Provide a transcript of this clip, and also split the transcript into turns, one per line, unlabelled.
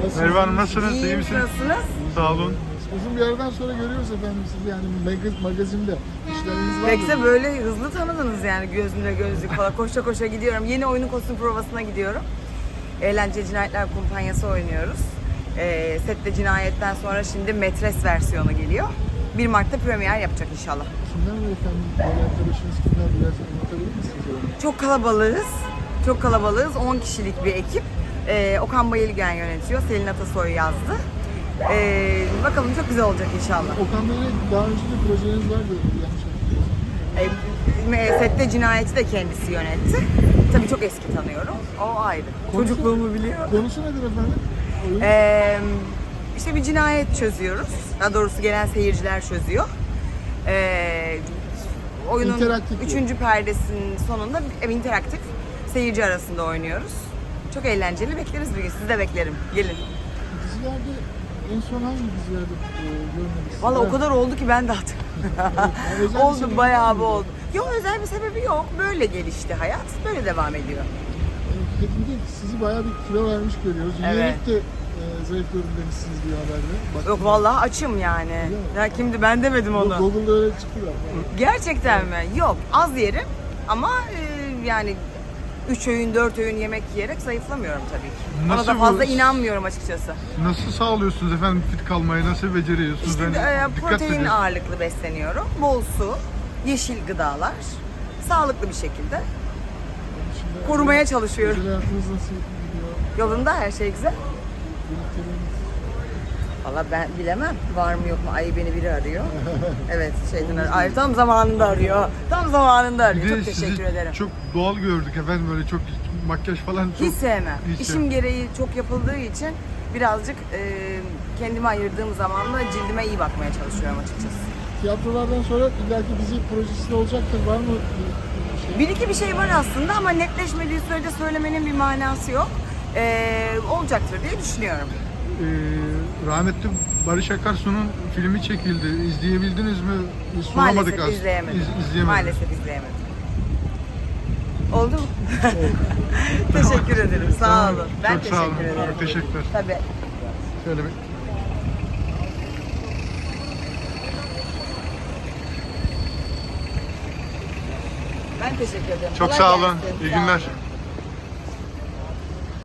Merhaba Hanım, nasılsınız? İyi
İyiyim,
misiniz?
nasılsınız?
Sağ olun.
Uzun bir aradan sonra görüyoruz efendim sizi yani magazinde. İşleriniz var
Belki de
mı?
böyle hızlı tanıdınız yani gözümle gözlük falan. Koşa koşa gidiyorum. Yeni oyunun kostüm provasına gidiyorum. Eğlence Cinayetler Kumpanyası oynuyoruz. Sette Cinayet'ten sonra şimdi Metres versiyonu geliyor. 1 Mart'ta premier yapacak inşallah.
Kimler var efendim? Böyle arkadaşınız kimler biraz anlatabilir misiniz?
Çok kalabalığız. Çok kalabalığız. 10 kişilik bir ekip. Okan Bayılgen yönetiyor. Selin Atasoy yazdı. Bakalım çok güzel olacak inşallah.
Okan Bey'le daha önce de projeniz vardı yanlış hatırlamıyorsam.
Sette Cinayet'i de kendisi yönetti. Tabii çok eski tanıyorum. O ayrı. Çocukluğumu biliyor.
Konusu nedir efendim? Oyun.
İşte bir cinayet çözüyoruz. Daha doğrusu gelen seyirciler çözüyor. Oyunun
İnteraktif
3. perdesinin sonunda interaktif seyirci arasında oynuyoruz. Çok eğlenceli. Bekleriz bir gün. Sizi de beklerim. Gelin.
Dizilerde en son hangi dizilerde görmediniz?
Vallahi o kadar oldu ki ben de hatırlamıyorum.
özel bir
Oldu,
sebebi
bayağı
var
bir
mıydı?
oldu. Yok, özel bir sebebi yok. Böyle gelişti hayat. Böyle devam ediyor.
Tüketimde sizi bayağı bir kilo vermiş görüyoruz.
Evet.
Üyelik de zayıflıyorum demişsiniz bir haberde. Bak,
Yok vallahi açım yani. Ya kimdi, ben demedim onu.
Google'da öyle çıkıyor.
Gerçekten mi? Yok, az yerim ama yani 3 öğün 4 öğün yemek yiyerek zayıflamıyorum tabii ki. Ona
Nasıl
da fazla
bu-
inanmıyorum açıkçası.
Nasıl sağlıyorsunuz efendim fit kalmayı? Nasıl beceriyorsunuz?
İşte
Yani dikkat
protein
ediyorum.
ağırlıklı besleniyorum. Bol su, yeşil gıdalar, sağlıklı bir şekilde
Şimdi
korumaya çalışıyorum.
özel hayatınız nasıl gidiyor?
Yolunda her şey güzel.
Birlikleriniz.
Valla ben bilemem. Var mı yok mu? Ay beni biri arıyor. Evet, şeyden arıyor. Ay tam zamanında arıyor. Tam zamanında arıyor.
Bir de
Çok
sizi
teşekkür ederim.
çok doğal gördük efendim, böyle çok makyaj falan çok...
Hiç sevmem.
Hiç
İşim
sevmem.
gereği çok yapıldığı için birazcık kendime ayırdığım zamanla cildime iyi bakmaya çalışıyorum açıkçası.
Tiyatrolardan sonra illaki dizi projesi de olacaktır. Var mı bir şey?
Bir iki bir şey var aslında ama netleşmediği sürece söylemenin bir manası yok. Olacaktır diye düşünüyorum.
Rahmetli Barış Akarsu'nun filmi çekildi. İzleyebildiniz mi? Biz sunamadık
Maalesef
aslında.
izleyemedim.
İzleyemedik.
Maalesef izleyemedim. Oldu mu? Teşekkür ederim. Sağ
Tamam.
olun. Ben
Çok sağ olun.
teşekkür ederim.
Çok teşekkürler.
Tabii.
Şöyle bir...
Ben teşekkür ederim.
Çok
Kolay
sağ olun.
gelsin.
İyi
Sağ
günler.
olun.